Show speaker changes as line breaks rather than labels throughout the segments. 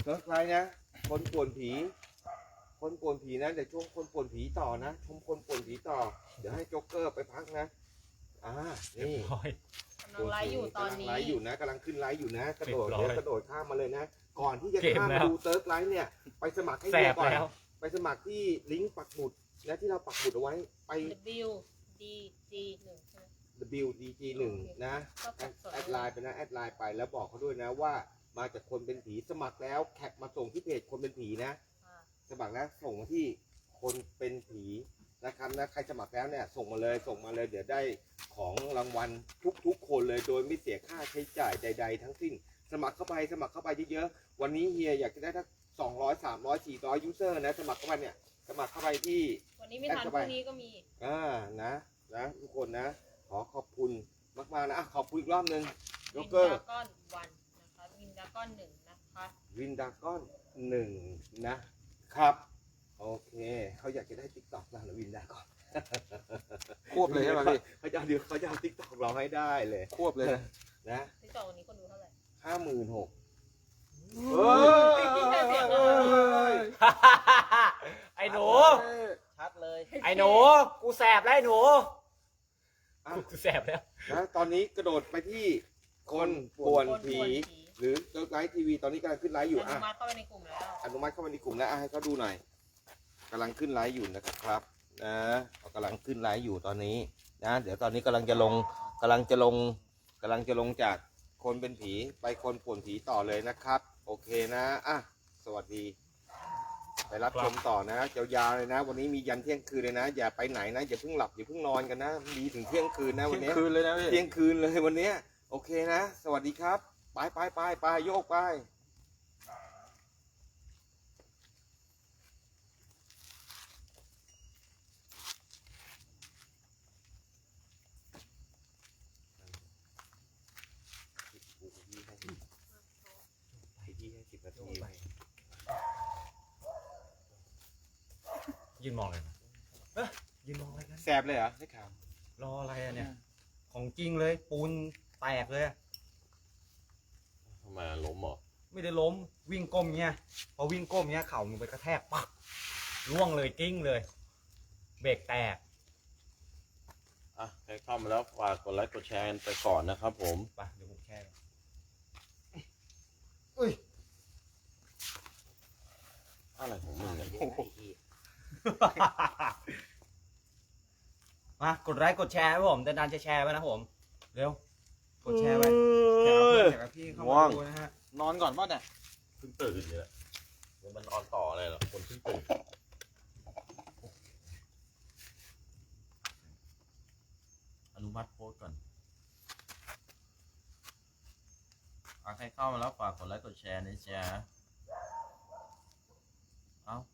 เซิร์ฟไลน์นะคนป่วนผีนะเดี๋ยวช่วงคนป่วนผีต่อนะชมคนป่วนผีต่อเดี๋ยวให้โจ๊กเกอร์ไปพักนะนี่
กำลังไลฟ์อยู่ตอนนี้
ไลฟ์อยู่นะกำลังขึ้นไลฟ์อยู่นะกระโดด
เรียบร้อย
กระโดดข้ามมาเลยนะก่อนที่จะ
เกม
ข้าม
แล้
มาว ดูเซิร์ฟไลฟ์เนี่ยไปสมัครให้
แส
เฮีย
บ
ก่อน
แล้ว
ไปสมัครที่ลิงก์ปักหมุดนะที่เราปักหมุดเอาไว้ไป
WDG1 ใช่ไหม
WDG1 นะ
ก็กดสด
แอดไลน์ไปนะแอดไลน์ไปแล้วบอกเขาด้วยนะว่ามาจากคนเป็นผีสมัครแล้วแคปมาส่งที่เพจคนเป็นผีนะ
อ่า
สมัครแล้วส่งมาที่คนเป็นผีนะครับนะใครสมัครแล้วเนี่ยส่งมาเลยเดี๋ยวได้ของรางวัลทุกคนเลยโดยไม่เสียค่าใช้จ่ายใด ๆ ทั้งสิ้นสมัครเข้าไปเยอะๆวันนี้เฮียอยากจะได้ทั้ง200 300 400ยูเซอร์นะสมัครเข้าไปเนี่ยสมัครเข้าไปที่
วันนี้ไม่ทันพรุ่งนี้ก็มี
นะทุกคนนะขอขอบคุณมากๆนะขอบคุณอีกรอบนึงโจ๊
วิ
ก
น
เกอ
ดา
ร์
ก้อนวันนะคะวินดาก้อน1นะคะ
วินดาก้อน1นะครับโอเคเขาอยากจะได้ติ๊กต็อกเราหรือวินดาก้อน
ควบเลยใช่ไหมพี่
เขาจะเอาติ๊กต็อกเราให้ได้เลย
ควบเลย
นะ
ที่จอวันนี้คนดูเท่าไหร่
56,000
ไอ้หนู
ชัดเลย
ไอ้หนูกูแสบแล้วไอ้หนูกูแสบแล้ว
นะตอนนี้กระโดดไปที่คนป่วนผีหรือเลิกไลฟ์ทีวีตอนนี้กำลังขึ้นไลฟ์อยู่
อนุมัติเข้าไปในกลุ่มแล้ว
อนุมัติเข้ามาในกลุ่มแล้วให้เขาดูหน่อยกำลังขึ้นไลฟ์อยู่นะครับนะกำลังขึ้นไลฟ์อยู่ตอนนี้นะเดี๋ยวตอนนี้กำลังจะลงจากคนเป็นผีไปคนป่วนผีต่อเลยนะครับโอเคนะสวัสดีไปรับชมต่อนะยาวๆเลยนะวันนี้มียันเที่ยงคืนเลยนะอย่าไปไหนนะอย่าเพิ่งหลับอย่าเพิ่งนอนกันนะมีถึงเที่ยงคืนนะวันนี้
คืนเลยนะพี่
เที่ยงคืนเลยวันนี้โอเคนะสวัสดีครับไปโยกไปที่ให้10 นาที
ยืนมองเลยนะยืนมองอะไรกัน
แสบเลยเหรอได้ข่าว
รออะไรอะเนี่ยของจริงเลยปูนแตกเลยอะ
ทำไมล้มเหรอ
ไม่ได้ล้มวิ่งก้มเงี้ยพอวิ่งก้มเงี้ยเข่ามันไปกระแทกปักร่วงเลยกิ้งเลยเบรกแตก
ใครเข้ามาแล้วฝากกดไลค์กดแชร์กันไปก่อนนะครับผม
ไปเดี๋ยวผมแช่ก่อน
อะไรของมึงเนี่ย
มากดไลค์กดแชร์ไว้ผมดันจะแชร์ไว้นะผมเร็วกดแชร์ไว้แจกกับพี่เข้ามาดูนะฮะ
นอนก่อนป่ะเนี่ย
เพิ่งตื่นอยู่แหละมันออนต่ออะไรหรอคนเพิ่งตื่นอนุมัติโพสต์ก่อนใครเข้ามาแล้วฝากกดไลค์กดแชร์นะจ๊ะเอ้า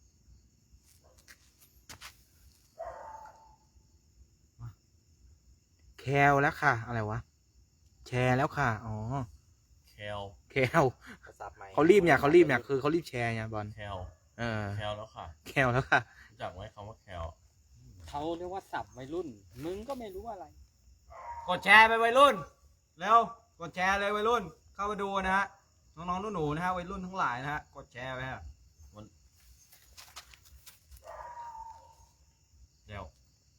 แคลแล้วค่ะอะไรวะแชร์แล้วค่ะอ๋อ
แคล
แคลเขารีบเนี่ยคือเขารีบแชร์เนี่ยบอล
แคล
เออ
แคลแล้วค่ะ
แคลแล้วค่ะ
รู้จักไหมคำว่าแคล
เขาเรียกว่าสับวัยรุ่น มึงก็ไม่รู้อะไร
กดแชร์ไปวัยรุ่นเร็วกดแชร์เลยวัยรุ่นเข้ามาดูนะฮะน้องๆหนูๆนะฮะวัยรุ่นทั้งหลายนะฮะกดแชร์ไปฮะเร็ว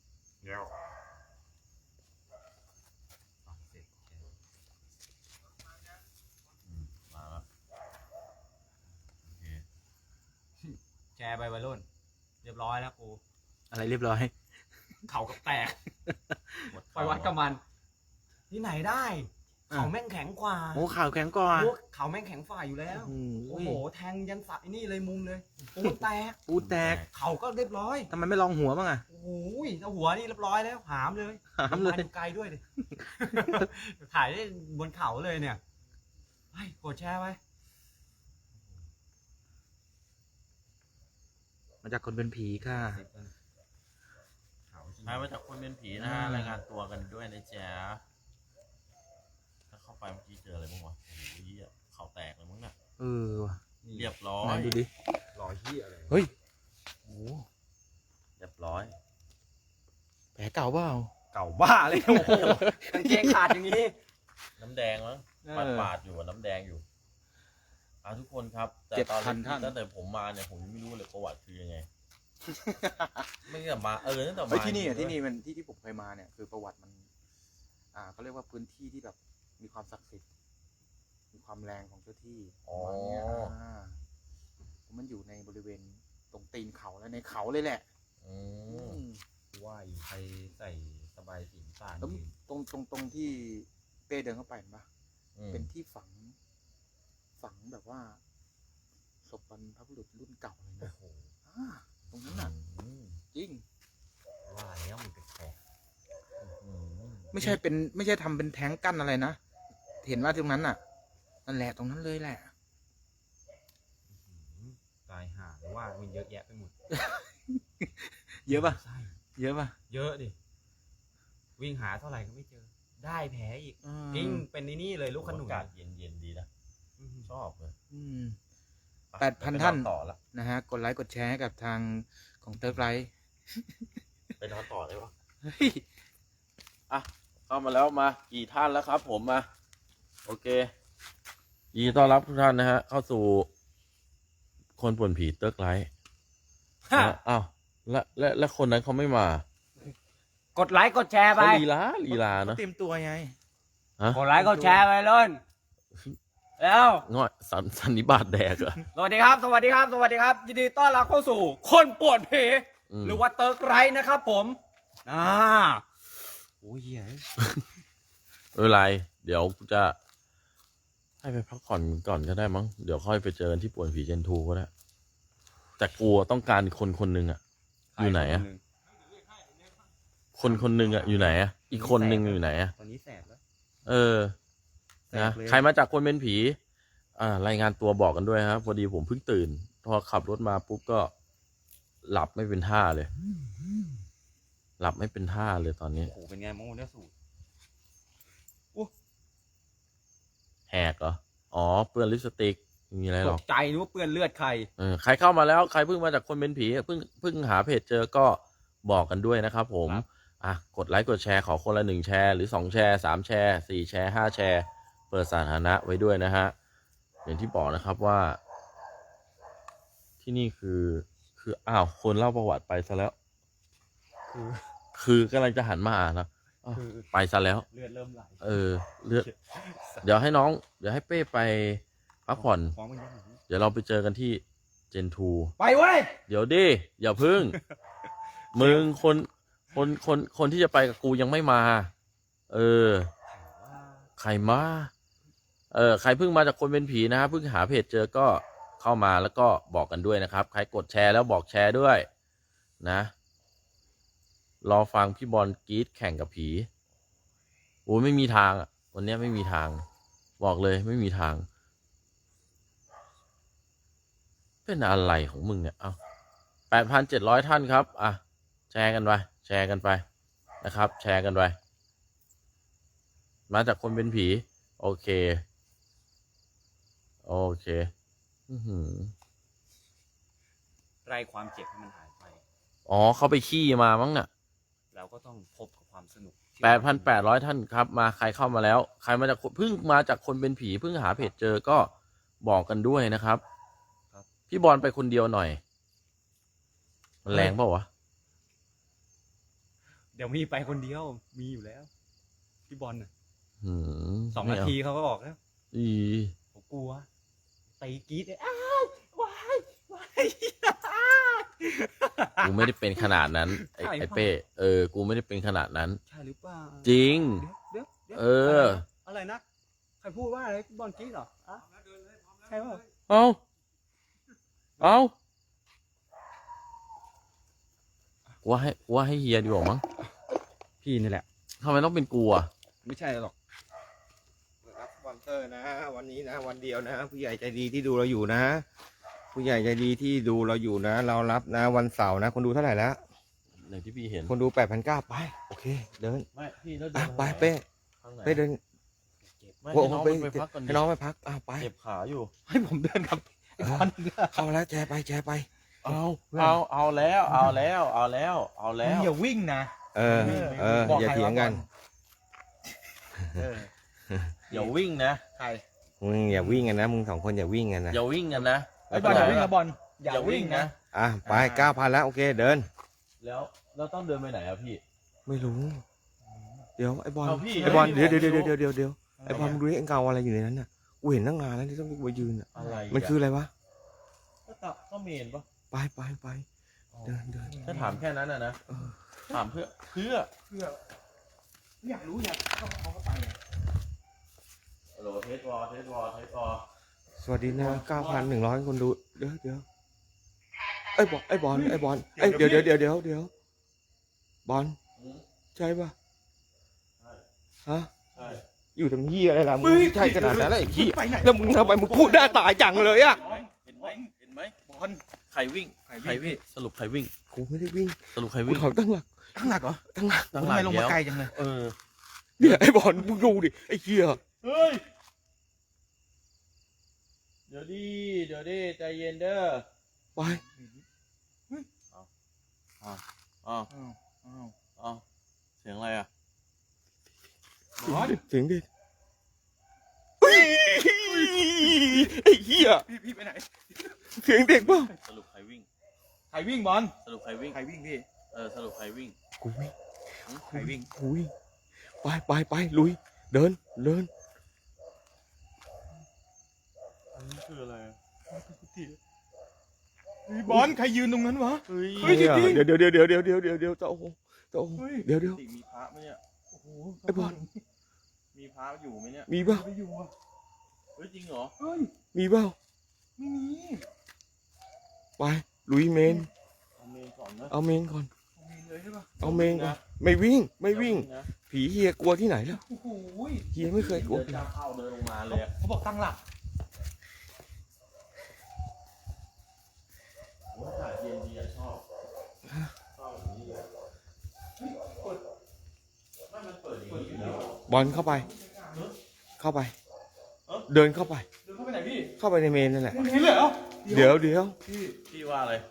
มาแล้วโอเค
แชร์ไปวัยรุ่นเรียบร้อยแล้วกู
อะไรเรียบร้อย
เข่ากับแตก
หมด
ไปวัดกับมันที่ไหนได้เขาแม่งแข็งกว่า
โอ้ข่าวแข็งก่อน
โอ้เขาแม่งแข็งฝ่าอยู่แล้ว
โอ้
โอ้
โห
โหแทงยันสับไอ้นี่เลยมุมเลยปูนแตก
ปูแตก
เขาก็เรียบร้อย
ทำไมไม่ลองหัวบ้างอ่ะ
โอ้ยเอาหัวนี่เรียบร้อยแล้วหามเลย
หามเลย
ไกลด้วยดิ ถ่ายได้บนเขาเลยเนี่ยไปกดแชร์ไว้
มาจากคนเป็นผีค่ะ
ใครมาจากคนเป็นผีนะฮะรายงานตัวกันด้วยนะจ๊ะถ้าเข้าไปเมื่อกี้เจออะไรบ้างวะโอ้โหเหี้ยเขาแตกเลยมั้งน่ะ
เออว่ะ
เรียบร้อ
ไหน
ย
ดูดิ
รอยที่อะไร
เฮ้ยโอ้
เรียบร้อย
แผลเก่าเปล่า
เก่าบ้าเลยโอ้โหกางเกงขาดอย่างนี้
น้ำแดงมั้งปาดอยู่อะน้ำแดงอยู่ทุกคนครับ แต่ตอนตั้งแต่ผมมาเนี่ยผมยังไม่รู้เลยประวัติคือยังไง ไม่ตั้งแต่มาตั้งแต่มา
ที่นี่มันที่ผมเคยมาเนี่ยคือประวัติมันเขาเรียกว่าพื้นที่ที่แบบมีความศักดิ์สิทธิ์มีความแรงของเจ้าที่ประมาณเนี้ยมันอยู่ในบริเวณตรงตีนเขาและในเขาเลยแหละ
ว่าอยู่ใครใส่สบายสีฟ้า
แล้วตรงที่เป้เดินเข้าไปเห็นปะเป็นที่ฝังแบบว่าศพบรรพบุรุษรุ่นเก่าเลยนะตรงนั้นน่ะจริง
ว่าแล้วมันแปลก
ไม่ใช่ทำเป็นแท้งกั้นอะไรนะเห็นว่าตรงนั้นน่ะนั่นแหละตรงนั้นเลยแหละ
ตายห่าหรือว่ามันเยอะแยะไปหมด
เยอะปะ
ใช่
เยอะปะ
เยอะดิวิ่งหาเท่าไหร่ก็ไม่เจอ ได้แผลอีกจริงเป็นนี่เลยลูกขนุน
อากาศเย็นๆดีนะชอบเลย
8,000 ท่าน
ต่อละ
นะฮะกดไลค์กดแชร์ให้กับทางของเติร์กไลท์
ไปนอนต่อได้ปะ
เฮ้ย
เข้ามาแล้วมากี่ท่านแล้วครับ ผมมาโอเคยินดีต้อนรับทุกท่านนะฮะเข้าสู่คนป่วนผีเติร์กไลท์อ้าวและคนนั้นเขาไม่มาก
ดไลค์กดแชร์ไป
เขาลีลาเนาะ
เตรียมตัวไง
กดไลค์กดแชร์ไปเลยแล้ว
ง่อยสันนิบาตแดกเหรอ
สวัสดีครับยินดีต้อนรับเข้าสู่คนป่วนผีหรือว่าเติร์กไลท์นะครับผมโอ้ยเหี้ย
ไม่เป็นไรเดี๋ยวกูจะให้ไปพักผ่อนก่อนก็ได้มั้งเดี๋ยวค่อยไปเจอกันที่ป่วนผีเจนทูก็ได้แต่กูต้องการคนหนึ่งอะอยู่ไหนอะคนหนึ่งอะอยู่ไหนอะอีกคนหนึ่งอยู่ไหนอะ
ตอนนี้แสบแล้ว
นะใครมาจากคนเป็นผีรายงานตัวบอกกันด้วยครับพอดีผมเพิ่งตื่นพอขับรถมาปุ๊บก็หลับไม่เป็นท่าเลยหลับไม่เป็นท่าเลยตอนนี้
โอ้โหเป็นไงมองเนี่ยสูตร
แหกเหรออ๋อเปื้อนลิปสติกไม่มีอะไรหร
ต
อก
กใจนึกว่าเปื้อนเลือดใคร
ใครเข้ามาแล้วใครเพิ่งมาจากคนเป็นผีเพิ่งหาเพจเจอก็บอกกันด้วยนะครับผมกดไลค์กดแชร์ขอคนละ1แชร์หรือ2แชร์3แชร์4แชร์5แชร์เปิดสาธารณะไว้ด้วยนะฮะอย่างที่บอกนะครับว่าที่นี่คือคนเล่าประวัติไปซะแล้วคือกำลังจะหันมาอ่านนะไปซะแล้ว
เลือดเริ่มไหล
เลือดเดี๋ยวให้เป้ไปพักผ่อนเดี๋ยวเราไปเจอกันที่เจนทู
ไปเว้ย
เดี๋ยวดิอย่าพึ่ง มึงคนที่จะไปกับกูยังไม่มาใครมาใครเพิ่งมาจากคนเป็นผีนะเพิ่งหาเพจเจอก็เข้ามาแล้วก็บอกกันด้วยนะครับใครกดแชร์แล้วบอกแชร์ด้วยนะรอฟังพี่บอลกรีดแข่งกับผีโอ้ไม่มีทางวันนี้ไม่มีทางบอกเลยไม่มีทางเป็นอะไรของมึงเนี่ย8,700 ท่านครับแชร์กันไปนะครับแชร์กันไปมาจากคนเป็นผีโอเค
ไล่ความเจ็บให้มันหายไป
เขาไปขี้มามั้งน่ะ
เราก็ต้องพบกับความสนุก
8,800 ท่านครับมาใครเข้ามาแล้วใครมาจากเพิ่งมาจากคนเป็นผีเพิ่งหาเพจเจอก็บอกกันด้วยนะครับพี่บอลไปคนเดียวหน่อยมันแรงเปล่าวะ
เดี๋ยวมีไปคนเดียวมีอยู่แล้วพี่บอลน่ะ 2 นาที
ไม่
เขาก็ออกแล้ว
เอา
ผมกลัวตีกรี๊ดเลยว้าย
กูไม่ได้เป็นขนาดนั้นไอ้
ใช่
ไอ้เป้กูไม่ได้เป็นขนาดนั้น
ใช่หรือเปล่า
จริง
เดี๋ยว อะไรนะใครพูดว่าอะไรบอลกรี๊ดเหรอใช่ป่ะ
เอาว่าให้เฮียดีกว่ามั้ง
พี่นี่แหละ
ทำไมต้องเป็นกูอ่ะ
ไม่ใช่หรอก
รับสปอนเซอร์นะวันนี้นะวันเดียวนะผู้ใหญ่ใจดีที่ดูเราอยู่นะผู้ใหญ่ใจดีที่ดูเราอยู่นะเรารับนะวันเสาร์นะคนดูเท่าไหร่แล้ว
อย่างที่พี่เห็น
คนดู 8,900ไปโอเคเดิน
ไม่พี่แล้ว
ไปเป้
ข้างไหน
เป้เดิน
ไม่ให้น้องมันไปพักก่อนดิ
ให้น้องไปพักไป
เจ็บขาอยู่
ให้ผมเดินครับ
เข้าแล้วแชร์ไป
เอาแล้ว
อย่าวิ่งนะ
อย่าเถียงกัน
อย่าวิ่งนะ
ใคร
มึงอย่าวิ่งกันนะมึงสองคนอย่าวิ่งกันนะ
อย่าวิ่งกันนะ
ไอ้บอลอย่าวิ่งนะบอล
อย่าวิ่งนะ
อ่ะไป9,000แล้วโอเคเดิน
แล้วเราต้องเดินไปไหนอะพี่
ไม่รู้ เดี๋ยวไอ้บอล
เอาพี่
ไอ้บอล
ให้
เดี๋ยว
พี่
เดี๋ยวไอ้บอลมึงดูไอ้เงาอะไรอยู่ในนั้นน่ะกูเห็นตั้งนานแล้วที่ต้องไปยืนอ่ะ
อะไระ
มันคืออะไรวะ
ก็เมนปะ
ไปเดิน
ถ้าถามแค่นั้นนะ
เออ
ถามเพื่อ
อยากรู้อยากเขาก็ไป
โหลเทสวอเทสวอ
สวัสดีนะ9,100 คนดูเดี๋ยวไอ้บอลเอ้ยเดี๋ยวบอลใช่ปะ
ใช่
ฮะ
ใช่
อยู่ตรงนี้อะไรล่ะมึงใช่ขนาดนั้นเลยไอ้ขี้แล้วมึงทำไมมึงพูดหน้าตายจังเลยอ่ะ
เห็นไหมบอลใครวิ่งสรุปใครวิ่ง
กูไม่ได้วิ่ง
สรุปใคร
กู
วิ่ง
ถอยตั้งหลัก
ข้างหลักเหรอ
ตั้งหลัก
ตั้งห
ทำ
ลั
ไม
ง
ลงมาไกลจังเลย
เออ
เนี่ยไอ้บอลมึงดูดิไอ้เหี้ย
เฮ้ยเดี๋ยวดิใจเย็นเด้อ
ไป
อ้าวเสียงอะไรอ่ะ
บอล
เสียงดิเฮ้ยไอ้เหี้ย
พี่ไปไหน
เสียงเด็กเปล่า
สรุปใครวิ่ง
ใครวิ่งบอล
สรุปใครวิ่ง
ใครวิ่งพี่
สรุปใครวิ่ง
กูวิ่ง
ใครวิ่ง
กูวิ่งไปลุยเดิน
อันนี้คืออะไร
บอลใครยืนตรงนั้นวะ
เฮ้ย
เฮ้ยจริงๆ
เดี๋ยวเจ้าโอ้เดี๋ยว
ติมีพระไหมเนี่ย
โอ้โห
ไอ้บอล
มีพระอยู่ไหมเนี่ย
มีเปล่า
ไปอยู่อ่ะ
เฮ้ยจริงเหรอ
เฮ้ย
มีเปล่า
ไม่มี
ไปลุยเมน
เอาเมนก่อนนะ
เอาเมนก่อน
มีเลยใช่ปะ
เอาเมนก่อนไม่วิ่ง
นะ
ผีเฮียกลัวที่ไหนแล้ว
โอ้โห
เฮียไม่เคยกลัว
เดินจะเข้าเดินลงมาเลยอะ
เขาบอกตั้งหลัก
โอ้ยอากาศเย็นดีอะชอบอย่างนี้เลยไม่มันเปิดอย่างนี้อยู่แล้ว
บอลเข้าไป เดินเข้าไป
เดินเข้าไปไหนพี่
เข้าไปในเมนนั่นแหละ
ไม่เห็นเลยเหรอ
เดี๋ยว
พี่ว่าอะไร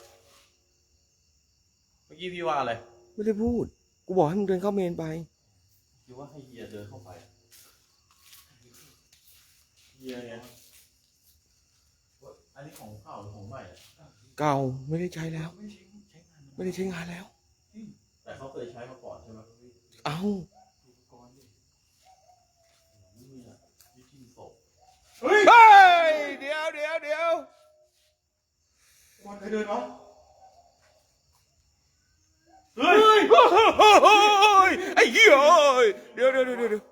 เมื่อกี้พี่ว่าอะไร
ไม่ได้พูด กูบอกให้มึงเดินเข้าเมนไป
คิดว่าให้เฮียเดินเข้าไปเฮียไงอันนี้ของเก่าหรือของใหม่อะ
เก่าไม่ได้ใช้แล้ว ไม่ได้ใช้งานแล้ว
แต่เขาเคยใช้มาก่อนใช่ไหมพี่
เอา
นี่อะวิธีศพ
เฮ้ย
เฮ้ยเดี๋ยว
บอลใครเดินวะ
เฮ้ย
ไอ้เหี้ยเดี๋ยว
มา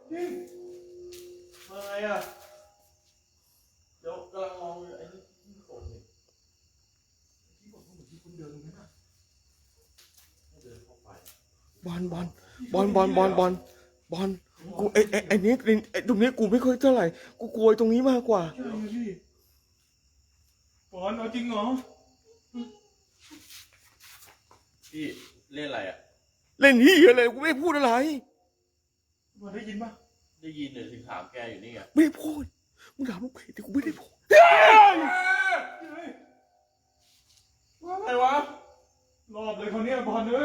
ไงอะเดี๋ยวกำลังมองอยู่ไอ้นี่ที่ศพเนี่ยที่บอกว่าเหมือนที่คุณเดินตรงนั้นอะให้เดินเข้าไป
บอลกูไอ้นี้ตรงนี้กูไม่ค่อยเท่าไหร่กูกลัวตรงนี้มากกว่า
ใช่พี่บอลเอาจริงเหรอ
พี่เล่นอะไรอ่ะ
เล่นที่อะไรกูไม่ได้พูดอะไร
บอลได้ยินปะ
ได้ยินเลยถึงถามแกอยู่นี่ไง
ไม่ได้พูดมึงถามลูกเพจแต่กูไม่ได้พูด
อะไรวะรอบเลยเขาเนี่ยบอลเลย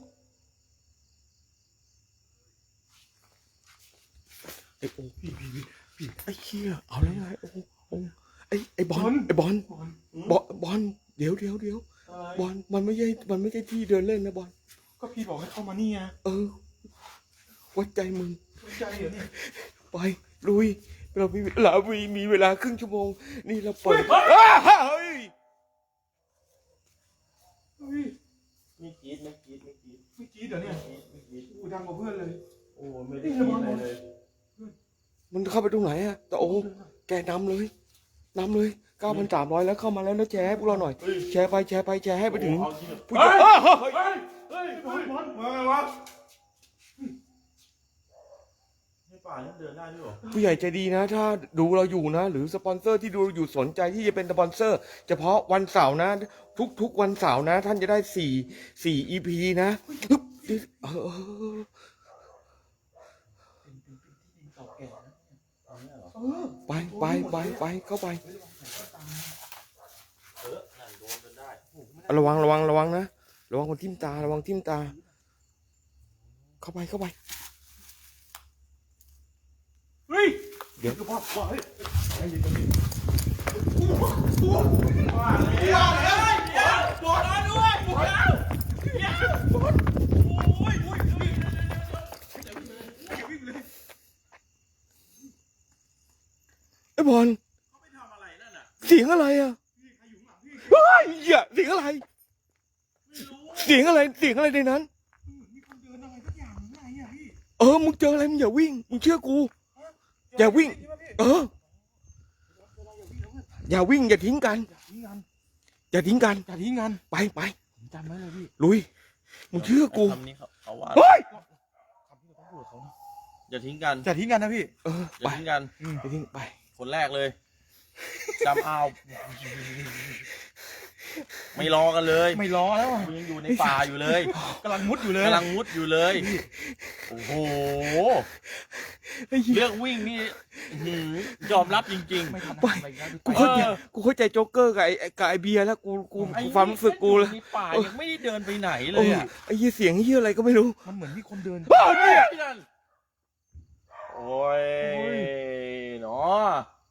ไอ้โอ้พี่ไอ้เหี้ยเอาแล้วไงโอ้ไอ้บอลเดี๋ยวบอลมันไม่ใช่ที่เดินเล่นนะบอล
ก็พี่บอกให้เข้ามานี่ไง
วัดใจมึง
สนใจเหรอเนี่ย
ไปลุยเรามีเวลาครึ่งชั่วโมงนี่เราเปิดเฮ้ย
เฮ้ย
ไม่กรีด
ไม่กรี๊ดเหรอเนี่ยกูดังกว่าเพื่อนเลย
โอ้ไม่ได้กรีดอะไรเลย
มันเข้าไปตรงไหนอะแต่โอ้แกนำเลย 9,300แล้วเข้ามาแล้วนะแชร์ให้พวกเราหน่อย แชร์ไปแชร์ให้ไปถึง
เอาจริงเหรอ
ผู้ใหญ่
เฮ้ยบอลมาไงวะ
ในป่านี่เดินได้ด้วยเหรอ
ผู้ใหญ่ใจดีนะ ถ้าดูเราอยู่นะ หรือสปอนเซอร์ที่ดูอยู่สนใจที่จะเป็นสปอนเซอร์ เฉพาะวันเสาร์นะ ทุกวันเสาร์นะ ท่านจะได้4 EP นะฮึบไปเข้าไป
นั่นโดนจนได้
ระวังนะระวังคนทิ่มตาเข้าไป
เฮ้ย
เดี๋ยว
ก็บอกว่าเฮ้ย
ไอ้บอลเสียงอะไรอ่ะเฮ้ยเหี้ยเสียงอะไร เสียงอะไรในนั้น มึงเจออะไรมึงอย่าวิ่ง มึงเชื่อกู อย่าวิ่ง อย่าวิ่งอย่าทิ้งกัน อย่าทิ้งกัน ไป
ผมจำไว้เลยพี่
ลุย มึงเชื่อกู
คำนี้เขาว่า
เฮ้ย
คำที่เราต้องพูดกับเขา
อย่าทิ้งกัน
อย่าทิ้งกันนะพี่
อ
ไป
ย่าทิ้งกัน
ไปทิ้งไป
คนแรกเลยจำเอาไม่รอกันเลย
ไม่รอแล้ว
มึงยังอยู่ในป่าอยู่เลย
กำลังมุดอยู่เลย
กำลังมุดอยู่เลย โอ้โห เรื่องวิ่งนี่อื้อหือยอมรับจริง
ไม่ทัน
ไป
อะไรแล้ว
กูเข้าใจกูเข้าใจโจ๊กเกอร์กับไอ้เบียร์แล้วกู
ๆ
ความรู้สึกกูแล้ว
ในป่ายังไม่ได้เดินไปไหนเล
โอ้
ย
ย
อ่ะ
ไอ้เหี้ยเสียงเหี้ยอะไรก็ไม่รู้
มันเหมือนมีคนเดิน
บ้าเนี่ย
โอ้ยเนาะ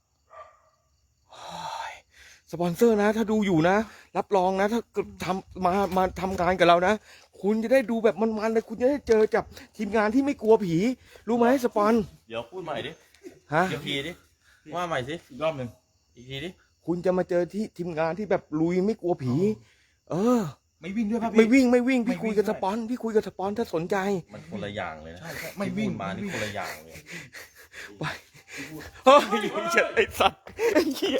สปอนเซอร์นะ ถ้าดูอยู่นะ รับรองนะ ถ้าเกิดมาทำงานกับเรานะ คุณจะได้ดูแบบมันๆเลย คุณจะได้เจอกับทีมงานที่ไม่กลัวผี รู้ไหมสปอน
เดี๋ยวพูดใหม่ดิ
ฮะ
อีกทีดิว่าใหม่สิ
อีกรอบหนึ่ง
อีกทีดิ
คุณจะมาเจอที่ทีมงานที่แบบลุยไม่กลัวผี
ไม่วิ่งด้วยป่ะพี่
ไม่วิ่ง
ไม่
พี่
วิ่ง
คุยกับ
ด้
ส
วย
ปอนพี่คุยกับสปอนถ้าสนใจ
มันคนละอย่างเลยนะ
ใช่ไม่วิ่ง
ที่พูดมานี่คนละอย่างเลย
ไปเฮ้ยไอ้สัตว์ไอ้เหี้ย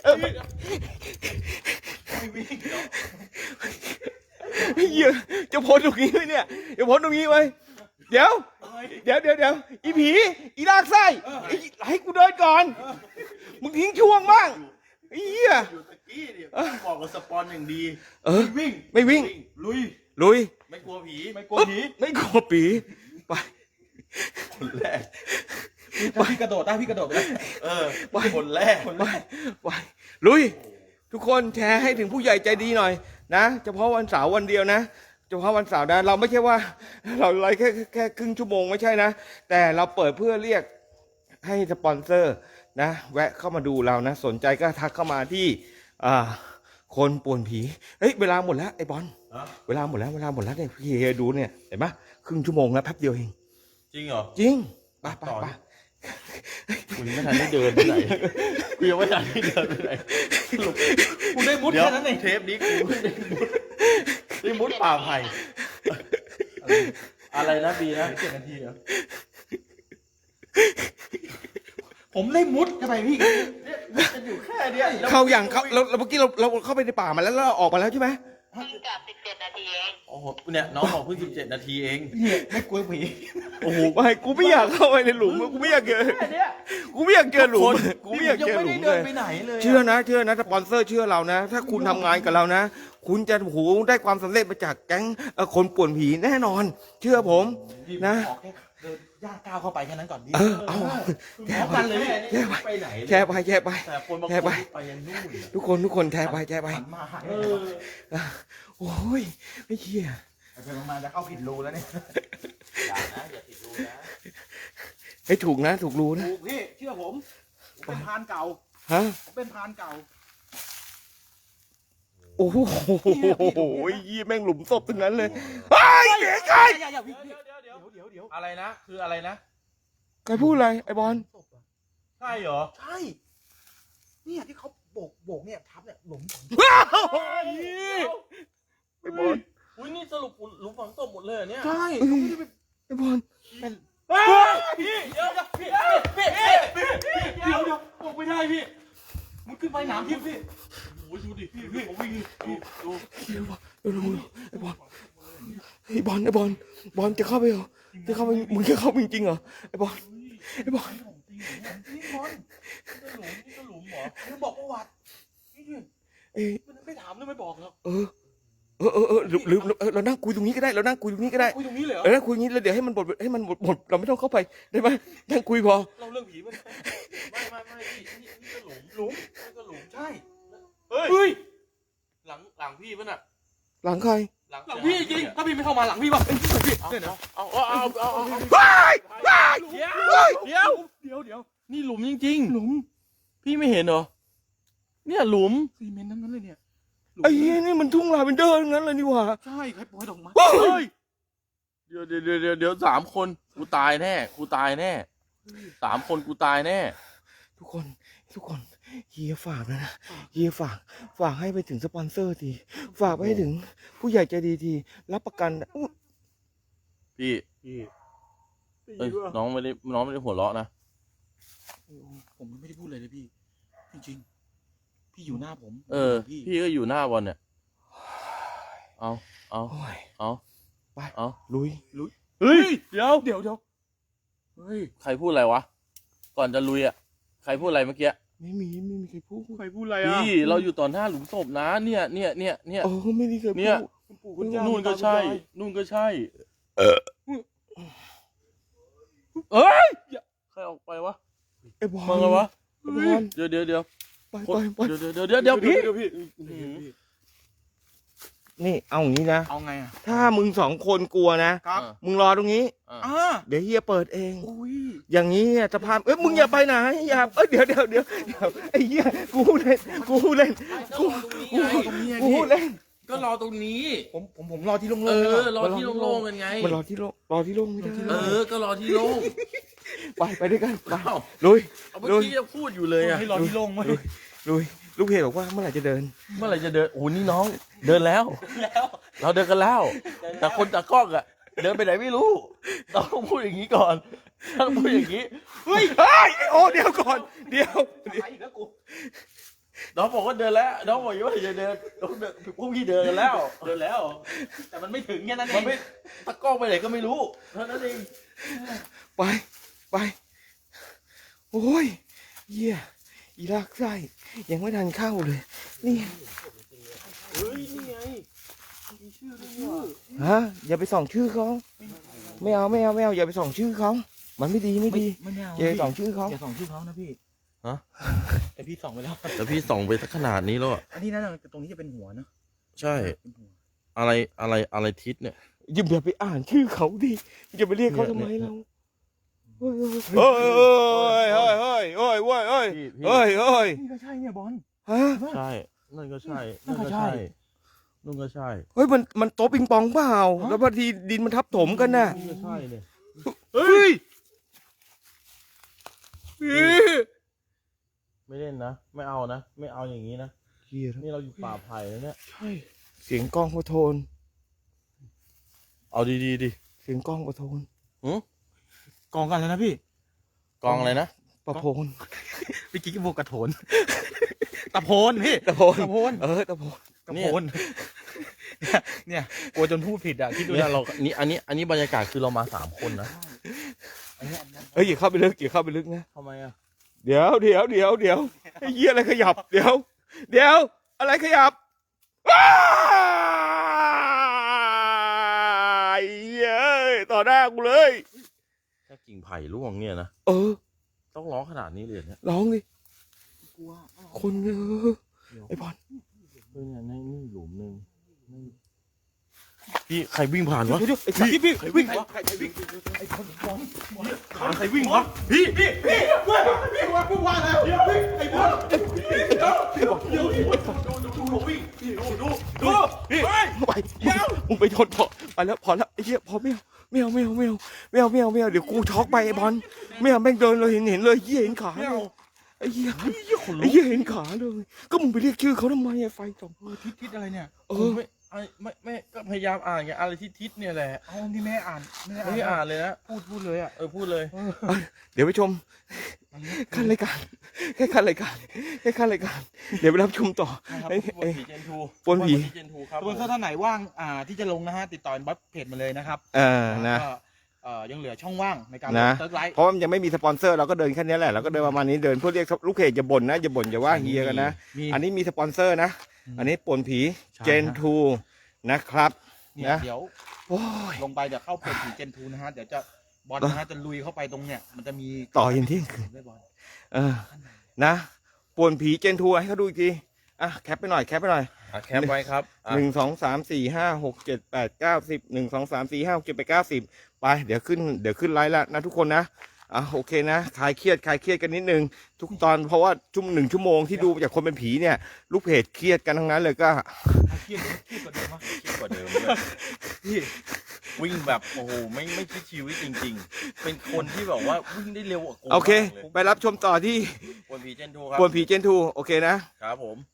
ไอ้เหี้ยจะพ้นตรงนี้ไหมเนี่ยจะพ้นตรงนี้ไหมเดี๋ยวอีผีอีลากไส้ให้กูเดินก่อนมึงทิ้งช่วงบ้างไอ้เหี้ย
อยู่ตะกี้เนี่ยบอกกับสปอนอย่างดี
ไม่วิ่ง
ลุย
ลุย
ไม่กลัวผี
ไม่กลัวผี
ไม่กลัวผีไป
คนแรก
ถ้าพี่กระโดดได้พี่กระโดดไปเลย
คนแรก
ไปลุยทุกคนแชร์ให้ถึงผู้ใหญ่ใจดีหน่อยนะเฉพาะวันเสาร์วันเดียวนะเฉพาะวันเสาร์นะเราไม่ใช่ว่าเราไลฟ์แค่ครึ่งชั่วโมงไม่ใช่นะแต่เราเปิดเพื่อเรียกให้สปอนเซอร์นะแวะเข้ามาดูเรานะสนใจก็ทักเข้ามาที่คนป่วนผีเฮ้ยเวลาหมดแล้วไอ้บอลเวลาหมดแล้วเนี่ยพี่เฮดูเนี่ยเห็นปะครึ่งชั่วโมงแล้วแป๊บเดียวเอง
จริงเหรอ
จริงไป
กูยังไม่ทันได้เดินไปไหนกูยังไม่ทันได้เดินไปไหนสรุป
กูได้มุด
เดี๋ยว
แค่นั้นเอง
เทปนี้กูไม่ได้มุดป่าไผ่อะไรนะบีนะ
7 นาทีเหรอผมได้มุดเข้าไปพี่
จะอยู่แค่เนี้ย
เข้าอย่างเข้าเราเมื่อกี้เราเข้าไปในป่ามาแล้วเราออกมาแล้วใช่ไหม
เพิ่งกลับ17 นาทีเอง
โอ้โหเนี่ยน้องบอกเพิ่ง17 นาทีเอง
เนี่ยไม่กลัวผี
โอ้โหไม่กูไม่อยากเข้าไปในหลุมกูไม่อยากเจอกูไม่อยากเจอหลุมกูไม่อยากเจอหลุม
ยังไม่ได้
เล
เดิ
ย
นไปไหนเลย
เชื่อนะสปอนเซอร์เชื่อเรานะ ถ้าคุณทำงานกับเรานะ คุณจะได้ความสำเร็จมาจากแก๊งคนป่วนผีแน่นอน เชื่อผมนะ
ออกแค่เดินย่างก้าวเข้าไปแค่นั้นก่อนพี่
เอา
แชร์กันเลย
แชร์ไป
ไปไหน
แชร์ไป
แต่คนบาง
แช
ค
ร์ไป
นไปยังนู่นอะ
ทุกคนแชร์ไป
หันมาหาย
เออ
โอ้ยไม่เชี่ย
ไปมาจะเข้าผิดรูแล้วเนี่ย
อย่านะอย่าติดรูนะ
ให้ถูกนะถูกรู้นะ
ถูกพี่เชื่อผมเป็นพรานเก่า
ฮะ
ผมเป็นพรานเก่า
โอ้โหยี่แม่งหลุมศพทั้งนั้นเลยไอ้เสียงใคร
อย่าพี่
เดี๋ยว
เดี๋ยว
อะไรนะคืออะไรนะ
ใครพูดอะไรไอ้บอล
ใช่เหรอ
ใช่เนี่ยที่เขาโบกเนี่ยทับเนี่ยหลุม
ไอ้บอล
อุ้ยนี่สรุปหลุมฝังศพหมดเลยเหรอเนี่ย
ใช่
ไอ้บอล
พี่เดี๋ยวพี่
เดี๋ยวบอกไม่ได้พี่มันขึ้นไปหนามทิพย์พี่
โอ้ยดูดิพี่ผมวิ่งดู
ไอ้บอลบอลจะเข้าไปเหรอจะเข้าไปมึงจะเข้าไปจริงๆเหรอไอ้บอล
นี่บอล
นี่ก็หลุมเหรอ
ไม่บอกประวัตินี่ดิ
เอ้ย
ไม่ถามเลยไม่บอกหรอก
ลืมเรานั่งคุยตรงนี้ก็ได้เรานั่งคุยตรงนี้ก็ได้
คุยตรงนี้เลยเหรอ
นั่งคุยตรงนี้แล้วเดี๋ยวให้มันหมดเราไม่ต้องเข้าไปได้ไหมนั่งคุยพอ
เราเรื่องผีมันไม่นี่ก็หลุม
หลุม
นี่ก็หลุม
ใช่
เฮ้ยหลังพี่ป่ะน่ะ
หลังใคร
หลัง
หลังพี่จริงถ้าพี่ไม่เข้ามาหลังพี่ป่ะพี่
เนี่ยนะเอา
ว้าย
เดี๋ยวนี่หลุมจริง
หลุม
พี่ไม่เห็นเหรอเนี่ยหลุม
ซีเมนต์ทั้งนั้นเลยเนี่ยหลุม
ไอ้เหี้ยนี่มันทุ่งลาเวนเดอร์ทั้งนั้นเลยนี่หว่า
ใช่ใครปล่อยดอกไม้
เฮ้ย
เดี๋ยว3 คนกูตายแน่3 คนกูตายแน่
ทุกคนเฮียฝากนะเฮียฝากให้ไปถึงสปอนเซอร์ทีฝากไปให้ถึงผู้ใหญ่ใจดีทีรับประกันอุ๊ย
พี่
พี่
เอ้ยน้องไม่ได้หัวเราะนะ
ผมไม่ได้พูดเลยพี่จริงๆพี่อยู่หน้าผม
พี่ก็อยู่หน้าบอลเนี่ยเอา
โอ้ย ไป
เอา
ลุย
เฮ้ยเดี๋ยว
เฮ้ย
ใครพูดอะไรวะก่อนจะลุยอ่ะใครพูดอะไรเมื่อกี้
ไม่มีใครพูด
ใครพูดอะไรอ่ะ
พี่เราอยู่ต่อหน้าหลุมศพนะเนี่ย
โอ้ไม่ได้เคยพูด
เนี่ย
คุณปู่คุณย่า
นู่นก็ใช่
คุณตาคุณยาย
นู่นก็ใช่เอ้ยใครออกไปวะ
ไอ้บอล
มาไงวะ
ไอ้บอล
เดี๋ยว
ไป
เดี๋ยวพี่
นี่เอาอย่างนี้นะ
เอาไงอ่ะ
ถ้ามึง2 คนกลัวนะครับ มึงรอตรงนี้ เดี๋ยวเฮียเปิดเอง
อุ้ย
อย่างนี้เนี่ยสภาพมึงอย่าไปไหนอย่าเดี๋ยวไอ้เหี้ยกูเล่นกู
ตรงนี้ไง
กู
พี่
เล่น
ก็รอตรงนี้
ผมรอที่โล่งๆ
เอ
เลย
อรอที่โล่งๆกันไง
มันรอที่โล่งไม่ได้
ก็รอที่โล่ง
ไปด้วยกันไป
เอ้า
ลุย
เอาเมื่อกี้จะพูดอยู่เลยอ่ะ
ให้รอที่โล่งไว้
ลุยลูกเพจบอกว่าเมื่อไหร่จะเดิน
เมื่อไหร่จะเดินโอ้โหนี่น้องเดินแล้ว เราเดินกันแล้ว แต่คนจากกล้องอ่ะเดินไปไหนไม่รู้เราต้องพูดอย่างนี้ก่อนต้องพูดอย่างนี้
เฮ้ยโอ้เดี๋ยวก่อนเดี๋ยว
น้องบอกว่าเดินแล้วน้องบอกว่าจะเดินพวกพี่เดินกันแล้ว
แต่มันไม่ถึงแค่นั้นเอ
มัน
ง
ไม่ตะกล้องไปไหนก็ไม่รู้เท่านั้นเอง
ไปโอ้ยเหี้ยอีลากไส้ยังไม่ทันเข้าเลยนี่
เฮ้ยนี่ไงมีชื่อด้วยเนี่ย
ฮะอย่าไปส่องชื่อเขาไม่เอาอย่าไปส่องชื่อเขามันไม่ดี
ไม่เอา
อย่าไปส่องชื่อเขา
อย่าส่องชื่อเขานะพี่
ฮะ
แต่พี่ส่องไปแล้ว
แต่พี่ส่องไปสักขนาดนี้แล้วอะ
อันนี้นะตรงนี้จะเป็นหัวนะ
ใช่
เป็นหัว
อะไรทิศเนี่ย
อย่าไปอ่านชื่อเขาดิอย่าไปเรียกเขาทำไมเราเฮ้ย
พี่
เฮ้ย
นี่ก็ใช่เนี่ยบอล
ฮะ
ใช่นั่นก็ใช่
นั่นก็ใช่
นู่นก็ใช่
เฮ้ยมันโต๊ะปิงปองเปล่าแล้วพอดีดินมันทับถมกันน่ะ
นี่ก็ใช่เลย
เฮ้ย
ไม่เล่นนะไม่เอานะไม่เอาอย่างนี้นะ
เฮีย
นี่เราอยู่ป่าไผ่แล้วเนี่ย
ใช่เสียงกล้องประโทน
เอาดีๆดิ
เสียงกล้องประโทน
กองกันแล้วนะพี่
กองอะไรนะ
ประโพน
พี่กิ๊กโบกระโถนตะโพนพี่
ตะโพน
ตะโพน
ตะโพน
ตะโพนเนี่ยกลัวจนพูดผิดอ่ะคิดดู
เนี่ยเราอันนี้บรรยากาศคือเรามา3 คนนะ
เฮ้ยอย่าเข้าไปลึกนะ
ทำไมอ่ะ
เดี๋ยวไอ้เหี้ยอะไรขยับเดี๋ยวอะไรขยับว้ายเหี้ยต่อหน้ากูเลย
แค่กิ่งไผ่ร่วงเนี่ยนะ ต้องร้องขนาดนี้เลยเนี่ย
ร้องดิ
กลัว
คนไอ้บอล
เฮ้ยเนี่ยนี่หลุมหนึ่งพี่ใครวิ่งผ่านวะ
เดี๋ยวไอ้พี่ใครวิ่งวะ
ใครวิ่งวะพี่
มึงไปชนไปแล้วพอแล้วไอ้เหี้ยพอไม่เอาเดี๋ยวกูช็อกไปไอ้บอลไม่เอาแม่งเดินเลยเห็นเลยเหี้ยเห็นขาไอ้เหี้ยเห็นขาเลยก็มึงไปเรียกชื่อเขาทำไมไอ้ไฟส่อง
ทิศอะไรเนี่ย
ไม่ก็พยายามอ่านไงอะไรที่ทิศเนี่ยแหละ
เอาที่แม่อ่าน
ไม่ได้อ่านเลยนะ
พูดเลยอ่ะ
พูดเลย
เดี๋ยวไปชมขั้นรายการแค่ขั้นรายการเดี๋ยวไปรับชมต่อ
นะครับ
เอ้ย
เจนทู
ปนผี
เจนทูครับ
ทุกคนถ้าไหนว่างที่จะลงนะฮะติดต่อบัฟเพจมาเลยนะครับ
นะ
ก็ยังเหลือช่องว่างในการ
นะ
เติร์กไลท์
เพราะมันยังไม่มีสปอนเซอร์เราก็เดินแค่นี้แหละเราก็เดินประมาณนี้เดินเพื่อเรียกลูกเพจอย่าบ่นนะอย่าว่าเฮียกันนะ อันนี้มีสปอนเซอร์นะ อันนี้ป่นผีเจนทูนะครับ
เนี่ย
นะ
เดี๋ยว
โอ้ย
ลงไปเดี๋ยวเข้าเพจผีเจนทูนะฮะเดี๋ยวจะบอลนะฮะจะลุยเข้าไปตรงเนี่ยมันจะมี
ต่อยันเที่ยงคืน
ด้วยบอล
นะป่นผีเจนทูให้เขาดูอีกทีแคปไปหน่อย
แคปไว้ครับ
1 2 3 4 5 6 7 8 9 10 1 2 3 4 5 6 7 8 9 10ไปเดี๋ยวขึ้นไลน์แล้วนะทุกคนนะโอเคนะคลายเครียดกันนิดนึงทุกตอนเพราะว่า1 ชั่วโมงที่ดูจากคนเป็นผีเนี่ยลูกเพจเครียดกันทั้งนั้นเลยก็
เครียดกว่าเดิมมั้ย
คิดกว่าเดิมเลยพี่วิ่งแบบโอ้โหไม่คิดชีวิตจริง ๆ เป็นคนที่แบบว่าวิ่งได้เร็วกว่ากู
โอเค
มากลย
ไปรับชมต่อที่
ปวนผีเจนทูครับ
ปวนผีเจนทูโอเคนะ
ครับผม